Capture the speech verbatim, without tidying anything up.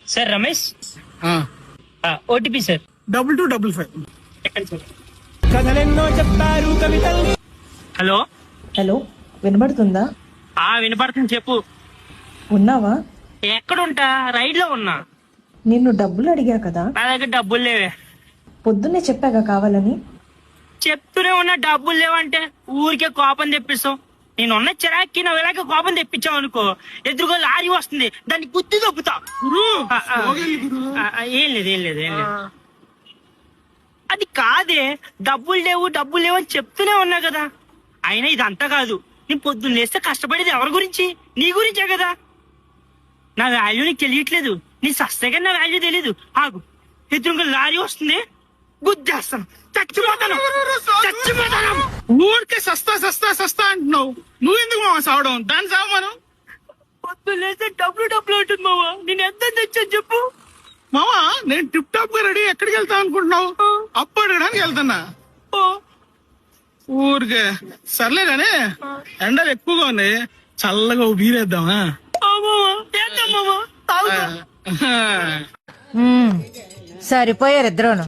Sir Ramesh OTP sir double two double five. Hello hello, వినబడుతుందా? ఆ వినపడుతుంది, చెప్పు. ఉన్నావా? ఎక్కడుంటా? రైడ్ లో ఉన్నా. నిన్ను డబ్బులు అడిగా కదా, నా దగ్గర డబ్బులు లేవే. పొద్దున్నే చెప్పాగా కావాలని. చెప్తూనే ఉన్నా డబ్బులు లేవంటే ఊరికే కోపం తెప్పిస్తావు. నేనున్న చిరాక్కి నువ్వు ఇలాగే కోపం తెప్పించావు అనుకో, ఎదురుగా లారీ వస్తుంది, దాన్ని గుద్ది దొబ్బుతా. ఆ, ఆ, ఆ, ఆ, ఏం లేదు ఏం లేదు ఏం లేదు అది కాదే, డబ్బులు లేవు డబ్బులు లేవు అని చెప్తూనే ఉన్నా కదా. అయినా ఇదంతా కాదు, నీ పొద్దున్న లేస్తే కష్టపడేది ఎవరి గురించి? నీ గురించే కదా. నా వాల్యూ నీకు తెలియట్లేదు, నీ సస్తే కానీ నా వాల్యూ తెలీదు. ఆగు, ఎదురుగా లారీ వస్తుంది, గుద్దేస్తాను, చచ్చిపోతాను చచ్చిపోతాను. ఊరికే సస్తా సస్తా సస్తా అంటున్నావు, నువ్వెందుకు మామ సావడం? దాన్ని సావు మనం. పొద్దున్న లేస్తే డబ్బులు డబ్బులు ఉంటుంది మావా. నేను ఎంత తెచ్చాను చెప్పు. మామా నేను టిప్ టాప్ గా రెడీ, ఎక్కడికి వెళ్తా అనుకుంటున్నావు? అప్పు అడగడానికి వెళ్తున్నా. ఓ, ఊరికే సర్లే గానీ ఎండలు ఎక్కువగా ఉన్నాయి, చల్లగా ఓ బీరేద్దామా? ఆ మావా, చేద్దాం మావా, తాగుదాం. సరిపోయారు ఇద్దరును.